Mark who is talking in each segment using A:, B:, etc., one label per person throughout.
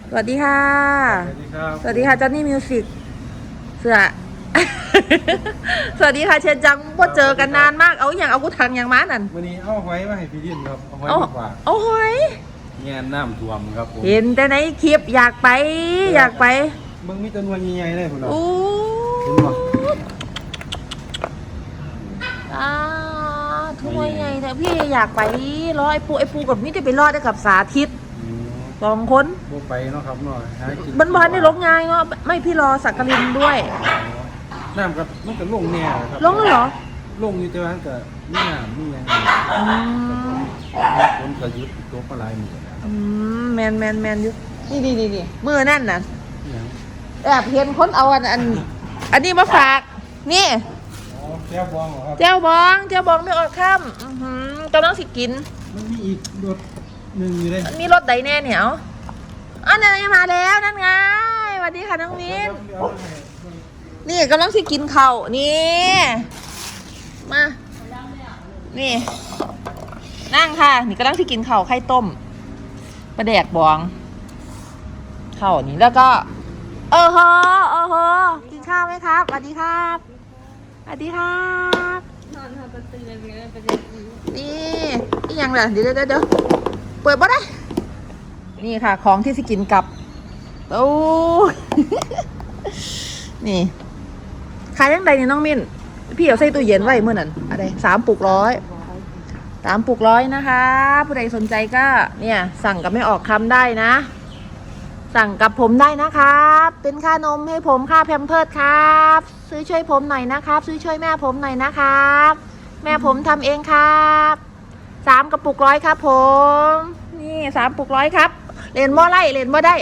A: สวัสดีค่ะ
B: สวัสดีครับ
A: สวัสดีค่ะจอนนี่มิวสิกเสือ สวัสดีค่ะเชนจังว่าเจอกันนานมากเอาอย่างเอากูทางอย่างม้านั่น
B: วันนี้เอาหอยมาให้พี่ดินครับเอาหอย
A: เอา
B: มาฝาก
A: เอาหอย
B: แง่น้ำท่วมครับผม
A: เห็นแต่ในคลิปอยากไป
B: มึงมีจำนวนใหญ่ๆเลยคุณเรา
A: โอ้
B: เห็นป่ะ
A: อาทุกวันไงแต่พี่อยากไปรอไอ้ปูกับมิจะไปรอดได้กับสาธิต2 คน
B: โบไปเนาะครับเนาะหากิ
A: บ้านได้ลงง่ายเนาะไม่พี่รอสักกลินด้วย
B: น้ำกับมันก็ลงแน่ครับ
A: ลงแล้วเหรอ
B: ลงอยู่แต่ว่าก็มีน้ำมีอย่าง
A: อืม
B: คนกระยุดตัวปลาไหลหมดแล้ว
A: แมนอยู่นี่มือนั่นน่ะ
B: อย่าง
A: แอบเห็นคนเอาอันนี้มาฝากนี่
B: อ๋อแก้วบองเหรอครับ
A: เจ้าบองไม่อดข้ามกำลังสิกิน
B: มันมีอีกรถหนึ่งอยู่เลย
A: มีรถใดแน่เหนียวอันนี้มาแล้วนั่นไงสวัสดีค่ะน้องมิ้น
B: เดี๋ยวเอาให้
A: นี่กำลังสิกินข้าวนี่มานี่นั่งค่ะนี่กำลังสิกินข้าวไข่ต้มปลาแดกบองข้าวนี่แล้วก็เออฮกินข้าวไหมครับสวัสดีครับสวัสดีครับนอนทำตื่นเลยนี่ยังล่ะเดี๋ยวเปิดบ่ได้นี่ค่ะของที่สิกินกับโอ้ นี่ขายยังไงเนี่ยน้องมิ้นพี่เอาใส่ตู้เย็นไว้เมื่อนั้นอะไร3 ปุก 100 3 ปุก 100นะคะผู้ใดสนใจก็เนี่ยสั่งกับไม่ออกคำได้นะสั่งกับผมได้นะครับเป็นค่านมให้ผมค่าแพมเพิร์สครับซื้อช่วยผมหน่อยนะครับซื้อช่วยแม่ผมหน่อยนะครับแม่ผมทำเองครับ3 กระปุก 100ครับผมนี่3 ปุก 100ครับเล่นบ่ไล่เล่นบ่ได้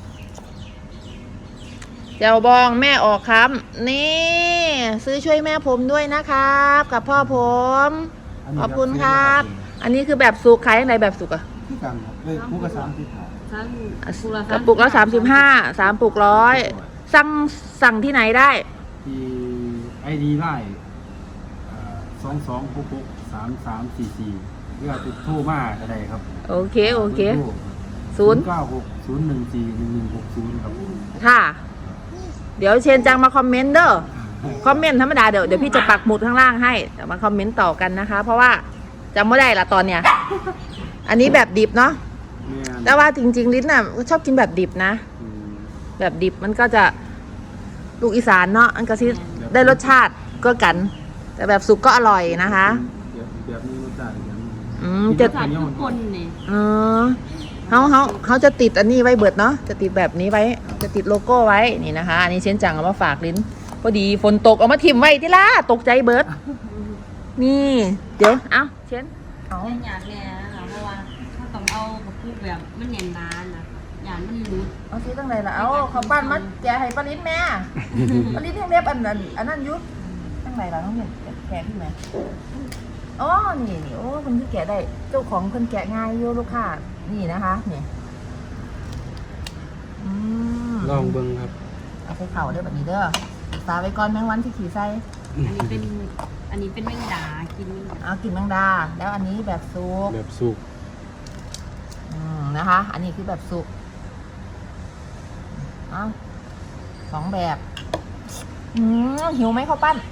A: เจ้าบองแม่ออกครับนี่ซื้อช่วยแม่ผมด้วยนะครับกับพ่อผมขอบคุณครับ อันนี้คือแบบสุกขายยังไงแบบสุกอะ
B: ที่กันครับเลยคู่กับ30 บาท
A: กระปุกละ35 3 ปุก 100สั่งที่ไหนได้
B: ที่ไอดีไลน์22663344เพื่อติดโทรมาก็ได้ครับ
A: โอเค0
B: 960141160ครับ
A: ค่ะ เดี๋ยวเชนจังมาคอมเมนต์เด้อคอมเมนต์ธรรมดาเดี๋ยวพี่จะปักหมุดข้างล่างให้เดี๋ยวมาคอมเมนต์ต่อกันนะคะ เพราะว่าจำไม่ได้ละตอนเนี้ยอันนี้แบบดิบเนาะแต่ว่าจริงๆลิ้นน่ะชอบกินแบบดิบนะแบบดิบมันก็จะลูกอีสานเนาะอันก็ซิได้รสชาติก็กัน แต่แบบสุกก็อร่อยนะคะ
B: แบบนี้รสชาติอย่าง
A: จะ
C: ทุกคนนี่
A: เขาจะติดอันนี้ไว้เบิดเนาะจะติดแบบนี้ไว้จะติดโลโก้ไว้นี่นะคะอันนี้เชนจังเอามาฝากลิ้นพอดีฝนตกเอามาทิ่มไว้ที่ล่ะตกใจเบิดนี่เดี๋ยวเอาเชนเอา
C: ได้หยาดเนี่ยนะคะเพราะว่าถ้าต้องเอากับพูดแบบมันเนียนนานนะหยาดมันรู้
A: เอาซื้อตั้งไหนล่ะเอาเขาปั้นมาแกะให้ปลาลิ้นแม่ปลาลิ้นแห้งเล็บอันนั้นยุบตั้งไหนล่ะน้องเห็นแกะพี่ไหมอ๋อนี่โอ้คนที่แกะได้เจ้าของคนแกะง่ายโยลูกค้านี่นะคะนี่
B: ลองเบิ้งครับ
A: เอาใส่เข่าเด้อแบบนี้เด้อตาไว้ก่อนแมงวันที่ขี่ไส้
C: อันนี้เป็นแมงดากิน
A: เอากินแมงดาแล้วอันนี้แบบซุป
B: แบบสุก
A: นะคะอันนี้คือแบบสุกเอา2 แบบหิวไหมข้าวปั้น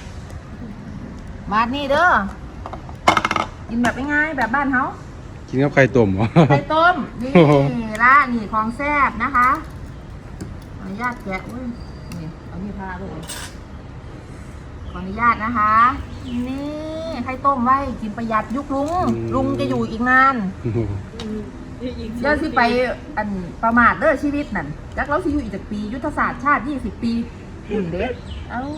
A: มาดนี่เด้อกินแบบง่ายๆแบบบ้านเขา
B: กินกับไข่ต้มเหรอ
A: ไข่ต้มนี่ละนี่ของแซ่บนะคะขออนุญาตแกะอุ้ยนี่เอานี่พาเลยขออนุญาตนะคะนี่ไข่ต้มไว้กินประหยัดยุคลุงจะอยู่อีกนานเดี๋ยวสิไปอันประมาทเด้อชีวิตนั่นจักเราสิอยู่อีกจากปียุทธศาสตร์ชาติ20 ปีเด็กเอ้า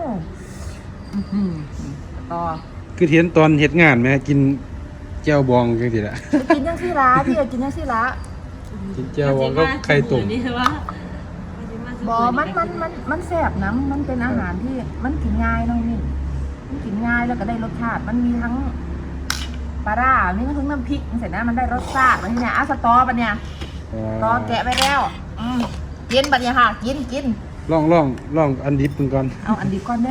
A: ต่อ
B: คือเทียนตอนเฮ็ดงานไหมกินแจ่วบองจังซี่ล่ะ
A: กินยังซี่ละพี่กินยังซี่ละ
B: กินแจ่วบองก็ไข่ต้ม
C: นี่ว่า
A: บอมันแซ่บนะมันเป็นอาหารที่มันกินง่ายน้องนี่มันกินง่ายแล้วก็ได้รสชาติมันมีทั้งปลาร่ามีทั้งน้ำพริกเสร็จนะมันได้รสชาติมันเนี่ยสตอบันเนี่ยตอแกะไปแล้วกินบัดเนี่ยค่ะกิน
B: ลองอันดิบเพิ่นก่อน
A: เอาอันดิบก่อนเด้อ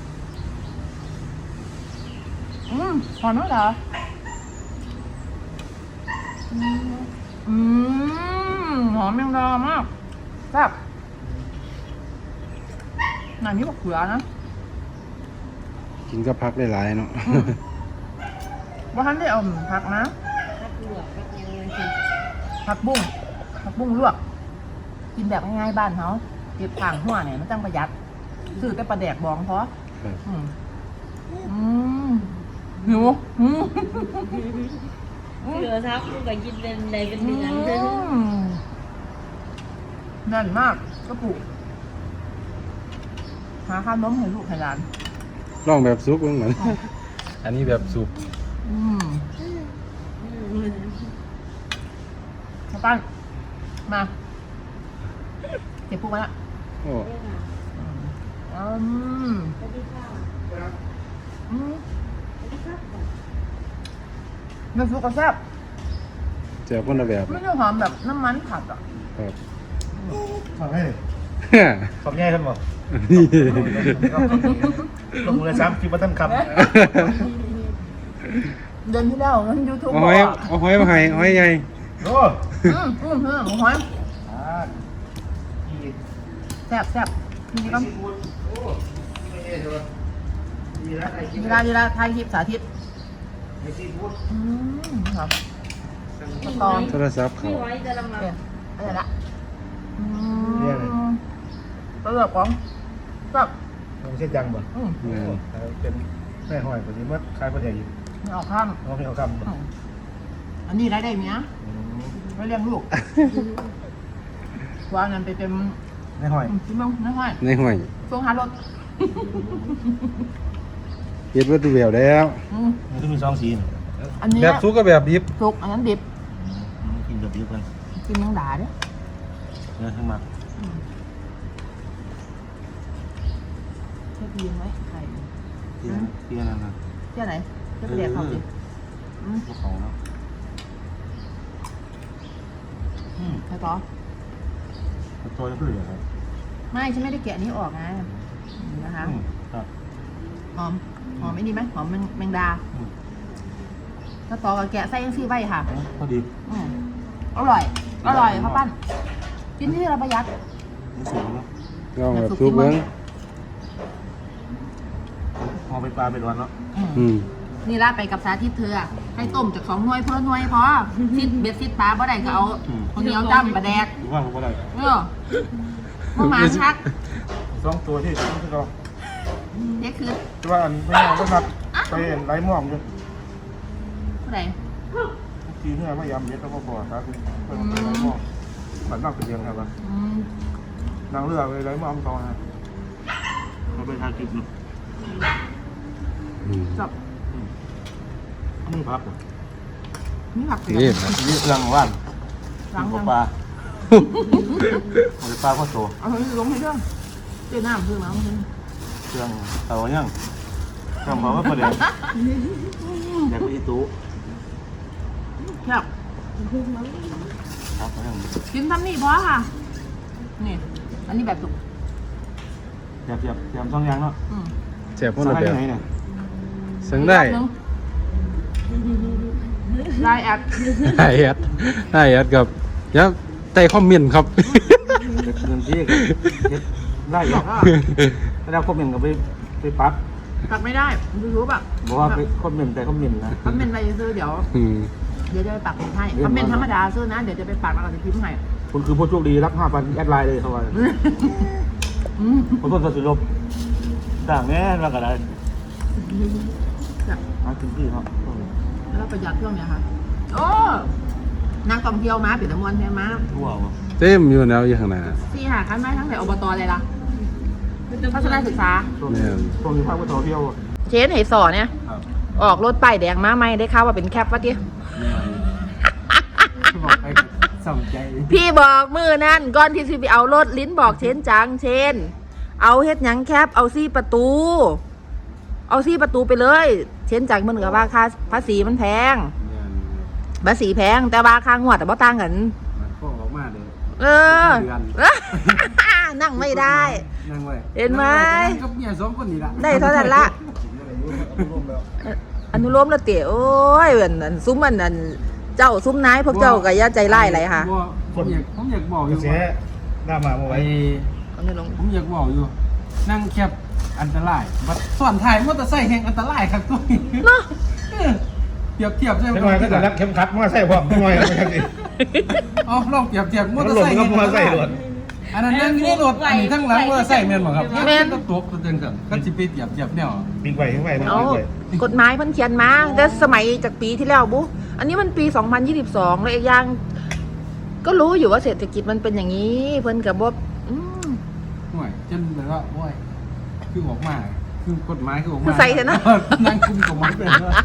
A: หอมมั้งเหรอหอมยังดามากแซ่บหนังนี้บอกเขือนะ
B: กินก็พักได้หลายเนาะ
A: ว่าท่านได้เอาผักนะ
C: พักลวกพักยังไงสิ
A: ผักบุ้งลวก กินแบบง่ายๆบ้านเขาเก็บข่างหัวเนี่ยมันจังประหยัดซื้อแต่ปลาแดกบองเพราะ
B: ครับ
A: หิว
C: เหลือทับลูกก็กินเป็นในเป็นเดือนเลย
A: แน่นมากกระปุกหาข้าวน้มให้ลูกให้หลาน
B: ลองแบบซุปเหมือน อันนี้แบบซุป
A: มาปั้นมาเก็บพวกมันละ
B: โอ้
A: อืม
C: สวัสดีค่ะ
A: อืม
C: สวัสดีครับ
A: เนื้อซุปก็แซ่บ
B: แจ่วคนละแบบ
A: ไม่ได้หอมแบบน้ำมันผัดอ่ะ
B: ครับ
D: ทำให้ทำง่ายท่านบอก
B: นี่
D: ลงมือซ้ำคิดว่าท่านค
A: เดือนที่แล้วนั้นยูทูบ
B: เอา
A: บ
B: ห
A: อ
B: อย
A: ก
B: เอาหอยมาให้หอยใหญ่
D: ำโอ้
A: หอย
D: ดี
A: แซ่บทีนี้ก็
D: ซีฟู้ดโอ้ไม่ใช่เถอะดีแล้วไอ้กิน
A: เวลาถ่ายคลิปสาธิต
D: ไอ้ซีฟู้ด
A: ครับตอน
B: โทรศัพท์เขา
C: ไม่ไหวจะลำบาก
A: อะไรละตัวแบบของแบบ
D: ไม่ใช่จังบ่
B: แม่น
D: เป็นแม่หอยคนนี้ว่าคล้ายคนใหญ่อยู่
A: ไม่ออกข้าม
D: น้องไม่เอาคำบ่
A: อันนี้รายได้เมียไม่เลี้ยงลูกวางเงินไปเป็น
D: แม่หอย
A: ชิ้นบ้างน้อย
B: ในห้อย
A: ช่วงหารถ
B: เฮ็ดวัตถุแบบแล้ว
D: มันต้องมี2สีน่ะ
A: อันนี้
B: แบบซุปกับแบบดิบ
A: สุกอันนั้นดิบ
D: กินแบบเดียวกัน
A: กินยังด่าเด้
D: เนื้อข้างมา
A: เทียบยืนไว้ไข่
D: เตี้ยนั่นนะ
A: เทียบไหนเทียบไปแดกเขาสิ
D: พวกเขาเนาะ
A: ใครต่อ
D: ตัวจะขึ้นเลยครับ
A: ไม่ฉันไม่ได้แกะนี้ออกไงนะคะ
D: ครับ
A: หอมไม่ดีไหมหอมแมงดาถ้าต่อกับแกะไส้ยังซี่ไว้ค่ะ
D: พอดี
A: อร่อยครับปั้นกินที่เราประหยัด
D: นี่สูงเนาะ
B: ลองแบบซุปเบิ้ง
D: พอไปปลาไปร้อนเนาะ
A: นี่ราดไปกับสาธิตเธอให้ต้มจาก2 หน่วยเพิ่มหน่วยพอซิดเบ็ดซิดปลาบ่ได้ก็เอาคนเหนียวจ้ำปลาแดก
D: หรือว่าผมก็ได้
A: มาหมาชัก
D: 2 ตัวที่เรา
A: นี่คือ
D: แต่ว่าอันไม่ยอมก็นัดไปไล่หม่อมอยู่
A: ผู้ใด
D: ทีเนื้อไม่ยำเย็ดแล้วก็บ่อครับไปไล่หม่อมมันนั่งเป็นเดือนครับว่านั่งเรือไปไล่หม่อมต่อนะเราไปทานกินเนาะ
A: จับ
D: มึงพักเหรอ
A: นี่ผักเสีย
B: นี่ครับ
D: นี่เรื่องว่าน
A: ล้าง
D: ป
A: ยัง
D: ลาเอาไปปลาข้าวโต
A: เอาให้ลงให้เรื่องเจ้าน้ำคือน้ำคือ
D: เครื่องเตาย่างเครื่องเผาว่าประเดี๋ยวอยากไปอีตู้
A: ครับ
D: ครับย่าง
A: กินทำนี่พอค่ะนี่อันนี้แบบสุก
D: อยาก2 อย่างเนาะ
B: แจ่วคนละ
D: สั่ง
B: แบ
D: ได้
B: บ
D: ที่ไหนเนี่ย
B: สั่งได้
A: ไลน์แอด
B: ได้แอดกับยับใต้คอมเมนต์ครับ
D: เงินที่ได้หรอกแล้วคอมเมนต์ก็ไปปัก
A: ตัดไม่ได้ยูทูบอ่ะ
D: บอกว่าไปคอมเมนต์แต่คอมเมนต์นะ
A: คอมเมนต์ไปซื้อเดี๋ยวจะไปปักให้คอมเมนต์ธรรมดาซื้อนะเดี๋ยวจะไปปักแล้วก็จะพิมพ์ให้
D: คุณคือผู้โชคดีรับ 5,000 แอดไลน์เลยเขาว่าขอโทษสัตว์สุรบต่างแน่ว่ากันได้มาถึงที่ครับ
A: แล้วประหยัดเครื่องเนี่ยค่ะโอ้นางกองเที่ยวมาปิดตะมวนใช่ไหม
D: ทั่ววะ
B: เต็มอยู่แล้วอยู่ข้างหน้า
A: สี่หาคันไม้ทั้งแต่อบตเลยล่ะทัศนศึกษา
D: ช่วงนี้ภาคว่าท่องเที่ยว
A: เชนเหสอเนี่ย
D: ครับ
A: ออกรถป้ายแดงมาไหมได้ข่าวว่าเป็นแคปวะที
D: บอกไปสนใจ
A: พี่บอกมือนั่นก่อนที่สิไปเอารถลิ้นบอกเชนจังเชนเอาเฮ็ดหยังแคปเอาซี่ประตู เอาซี่ประตูไปเลย เชนจังมันเหนือว่าค่าภาษีมันแพงภาษีแพงแต่ว่าค่างวดแต่บ่ต่างกัน
B: มันก็ออกมาเลย
A: เออ นั่งไม่ได้
B: นั่งไว้
A: เห็นไหม
B: กับเมีย2 คนนี่ล่ะ
A: ได้เท่านั้นละ อนุโลมแล้วเต๋โอ้ยอันซุ้มอันเจ้าซุ้มนายพวกเจ้าก็อย่าใจร้ายอะไรค่ะ
B: ผมอยากบอกอยู่
D: เสียหน้ามาเมื่อ
B: ไป
D: ไว้
A: เอาไม่ลง
B: ผมอยากบอกอยู่ นั่งแคบอันตรายบัดส่วนถ่ายมอเตอร์ไซค์แห่งอันตรายครับตัวนี้
A: เนาะ
B: เปรียบใช่ไหม
D: ไม่น้อยก็แต่รักเข้มขัดมาใส่พร้อมไม่น้อยไม่ใช่สิ
B: อ๋อลองเปรียบมอ
D: มัน
B: เตอร์
D: หล่น
B: ไซค์
D: ก็มาใส่หล่น
B: อันนั้นนั่งอยู่ในรถอันนี้ทั้งหลังมอเตอร์ไซค์แม่นบ่ครับแม่นก็ตกตัวเต็มกันก็สิไปเปรียบแนว
D: ปีกไว้ข้างในนะ
A: เอา
D: ปีกไว้
A: กฎหมายมันเขียนมาแต่สมัยจากปีที่แล้วบุอันนี้มันปี 2022แล้วอีกอย่างก็รู้อยู่ว่าเศรษฐกิจมันเป็นอย่างนี้ เพิ่นกับว่า
B: ห่วยจนแบบว่าโอ้ยคือออกมาคือกฎหมายคือออกมา
A: คือใส่เถอะนะ
B: นั่งคุมกฎหมายเป็นว่า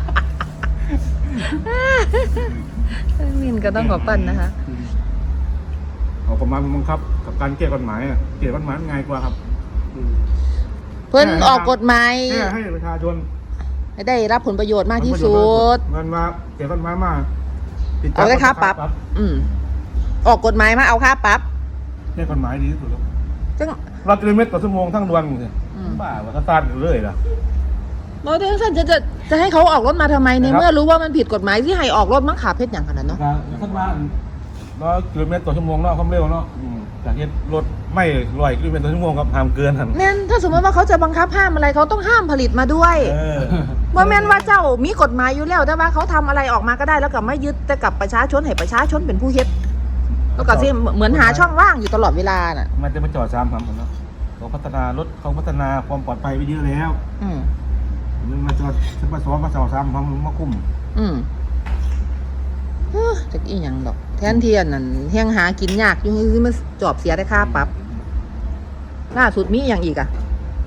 A: มินก็ต้องขอปั้นนะคะ
D: เอาประมาณบังคับกับการแก้กฎหมายเกลี่ยกฎหมายง่ายกว่าครับ
A: เพิ่นออกกฎหมาย
D: ให้ประชาชน
A: ให้ได้รับผลประโยชน์มากที่สุด
D: มันมาเกลี่ยกฎหมายมา
A: เอาได้ค่าปรับ ออกกฎหมายมาเอาค่าปรับ
D: แก้กฎหมายดีที่สุดแล้ว
A: จัง
D: 100 กิโลเมตรต่อชั่วโมงทั้งดวงเลยบ้าว่าก็ตาดอยู่เลยล่ะ
A: บอกเดี๋ยวท่านจะให้เขาออกรถมาทำไมในเมื่อรู้ว่ามันผิดกฎหมายที่ให้ออกรถมังขาเพชรอย่างขนาดเนาะ
B: ท่านว่า
D: 100 กิโลเมตรต่อชั่วโมงเนาะความเร็วเนาะจากเหตุรถไม่100 กิโลเมตรต่อชั่วโมงครับห้ามเกินครับ
A: แม่นถ้าสมมติว่าเขาจะบังคับห้ามอะไรเขาต้องห้ามผลิตมาด้วยว่าแม่นว่าเจ้ามีกฎหมายอยู่แล้วแต่ว่าเขาทำอะไรออกมาก็ได้แล้วกับไม่ยึดแต่กับประชาชนให้ประชาชนเป็นผู้เฮ็ดแล้วก็สิเหมือนหาช่องว่างอยู่ตลอดเวลาน่ะ
D: มันจะมาจอดซ้ำครับผมเนาะเขาพัฒนารถเขาพัฒนาความปลอดภัยไปเยอะแล้ว
A: อืม
D: มันมาจอดมาซ้อมมาเสาซ้ำมาคุ้ม
A: จากอีหยังดอกแทนเทียนนั่นแห้งหากินยากอยู่คือมันจอบเสียได้ค่าปรับล่าสุดมีอย่างอีกอะ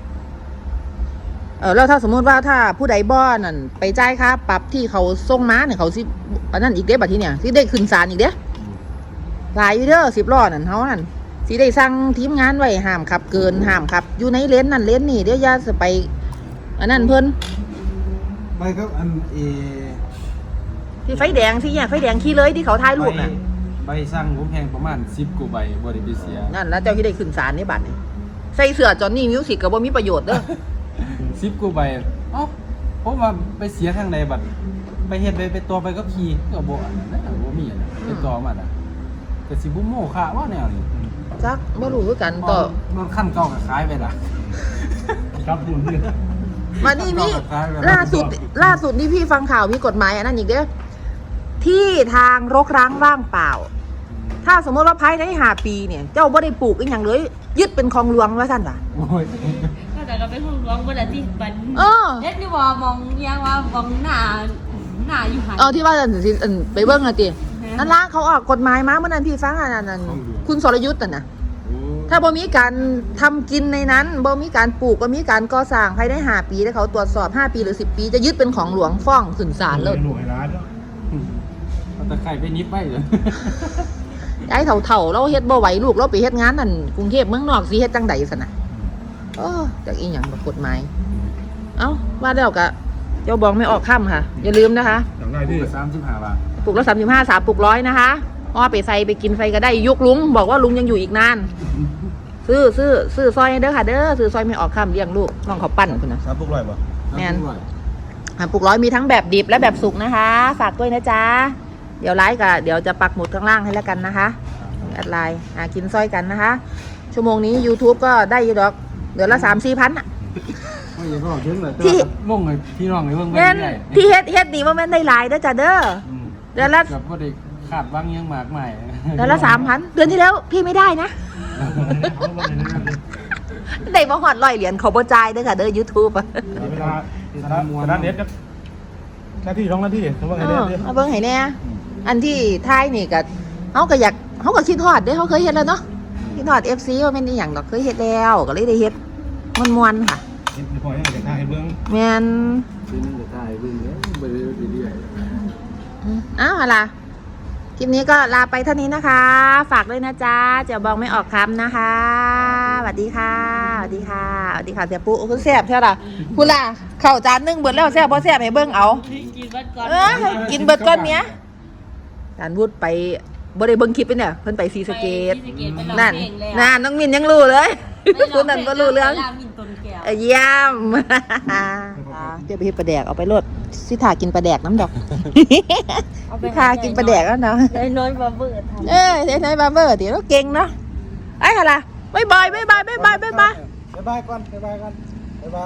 A: แล้วถ้าสมมติว่าถ้าผู้ใดบ่อนั่นไปจ่ายค่าปรับที่เขาส่งมาเนี่ยเขาสิอันนั้นอีกเด้บัดทีเนี่ยสิได้ขึ้นศาลอีกเด้หลายอยู่เด้อ10 ล้อนั่นเฮานั่นสิได้สั่งทีมงานไว้ห้ามขับเกินห้ามขับอยู่ในเลนนั่นเลนนี่เดี๋ยวอย่าจะไปอันนั้นเพิ่น
B: ไปครับอัน
A: ที่ไฟแดงที่แยกไฟแดงขี่เลยที่เขาถ่ายรูปน่ะ
B: ใบสั่งผมแพงประมาณ10 กว่าใบบ่ได้ไปเสีย
A: นั่นแล้วเจ้าที่ได้ขึ้นศาลในบัดนี่ใส่เสื้อจอนนี่มิวสิกก็บ่มีประโยชน์เด้อ
B: 10 กว่าใบเอ้าผมว่าไปเสียทางใดบัดไปเฮ็ดไปตัวไปก็ขี่ก็บ่อันนั้นบ่มีอันนั้นไปต่อมาน่ะก็สิบ่โม้ค่าว่าแนวนี้
A: จักบ่รู้คือกันต่อ
B: รถคันเก่าก็ขายไปล่ะ
D: ครับคุณพี่
A: มานี่มีล่าสุดนี่พี่ฟังข่าวมีกฎหมายอันนั้นอีกเด้อที่ทางรกร้างว่างเปล่า ถ้าสมมติว่าภายใน5 ปีเนี่ย เจ้าบ่ได้ปลูกอีหยังเลยยึดเป็นคลองหลวงว่าซั่นว่ะ
B: โอ้ย
C: ก็แต่ก็เป็นห้องร้องเวลาที่ปัน
A: เออ
C: เฮ็ดนี่ว่ามองยังว่ามองหน้าอยู่หัน
A: ที่ว่าสิไปเบิ่งน่ะตินั่นล่ะเขาออกกฎหมายมาเมื่อนั้นพี่ฟังอันนั้นคุณสรยุทธ์น่ะนะถ้าบ่มีการทำกินในนั้นบ่มีการปลูกบ่มีการก่อสร้างภายใน5 ปีแล้วเขาตรวจสอบ5 ปีหรือ10 ปีจะยึดเป็นของหลวงฟ้องขึ้นศาลเลย
D: หน่วยร้านเนาะ
B: เอาตะไคร้ไปนิบไปเลย
A: ยายเฒ่าๆเราเฮ็ดบ่ไหวลูกเราไปเฮ็ดงานนั่นกรุงเทพเมืองนอกสิเฮ็ดจังได๋ซั่นน่ะจากอีหยังกฎหมายเอ้าว่าแล้วก็เจ้าบองไม่ออกค่ำค่ะอย่าลืมนะคะ
D: อย่างไรที่
B: 35 บาท
A: ปลูกละ35 3ปลูก100นะคะอ้อไปใส่ไปกินไฟก็ได้ยุกลุงบอกว่าลุงยังอยู่อีกนานซื้อซอยให้เด้อค่ะเด้อซื้อซอยไม่ออกค่ำเลี้ยงลูกน้องเขาปั้นคุณนะ
D: 3 พวกร้อยป่ะ
A: แม่น ปลูก100มีทั้งแบบดิบและแบบสุกนะคะฝากด้วยนะจ๊ะเดี๋ยวไลฟ์กับเดี๋ยวจะปักหมุดข้างล่างให้แล้วกันนะคะแอดไลน์กินซอยกันนะคะชั่วโมงนี้ YouTube ก็ได้อยู่ดอกเดือนละ 3-4 พันอ่ะ
B: ไม่ยังก็ถึงเลย
A: ที่
B: ลงให้พี่น้องให้เบิ่ง
A: แม่น
B: ได้
A: ที่เฮ็ดนี่ว่าแม่นได้หลายเด้อจ้ะเด้อเดือนละ
B: แบบบ่ได้ขาดบางยังมากมาย
A: เดือนละ 3,000เดือนที่แล้วพี่ไม่ได้นะ ได้มาหอด100 เหรียญเขาบ่จ่ายเด้อค่ะเด้อ YouTube อ่ะ
D: เวลาสถานเน็ตหน้าที่2 นาทีสมมติไงเนี่ย
A: เอาเบิ่งให้แน่อันที่ท้ายนี่ก็เฮาก็อยากเฮาก็คิดฮอดเด้อเฮาเคยเฮ็ดแล้วเนาะคิดฮอด FC ว่าแม่นอีหยังดอกเคยเฮ็ดแล้วก็เลยได้เฮ็ดม่วนๆค่ะ
D: เห็นพอยังเด็กหน้าให้เบิ้ง
A: แม่น
B: ซื้อนึงจะได้เบิ่งเด้อบ่ได้เรื่อย
A: อ้าวล่ะคลิปนี้ก็ลาไปเท่านี้นะคะ ฝากด้วยนะจ๊ะเจ้าบองไม่ออกคำนะคะสวัสดีค่ะสวัสดีค่ะสวัสดีค่ะเสียปุ๊คุณแซ่บใช่ล่ะคุณล่ะข้าวจานนึงเบิดแล้วแซ่บบ่แซ่บให้เบิ่งเอา
C: กินบัดก่อน
A: กินเบิดก้อนเนี้ยจานวุฒไปบ่ได้เบิ่งคลิปไปเนี่ยเพิ่นไปศรีสะเกษนั่นน้องมินยังรู้เลยคุณนั่นก็รู้เรื่อง
C: มินต้นแก้ว
A: เยี่ยมเดี๋ยวไปเฮ็ดปลาแดกเอาไปรดสิทากินปลาแดกน้ำดอก
C: เอาไป
A: สิทากินปลาแดกแล้วเนาะ
C: ได้น้อยบาเบิร์ดทำ
A: เอ้ยเนยบาร์เบอร์เดี๋ยวเราเก่งเนาะไอ้ค่ะล่ะบ๊ายบายก่อนบ๊ายบาย
B: บ๊ายบายก่อนบ๊ายบายบ๊ายบาย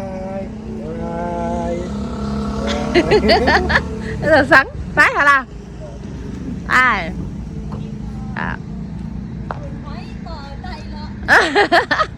A: สังซ้ายค่ะล่ะไอ้อ่ะ
C: ต่อใจแล้ว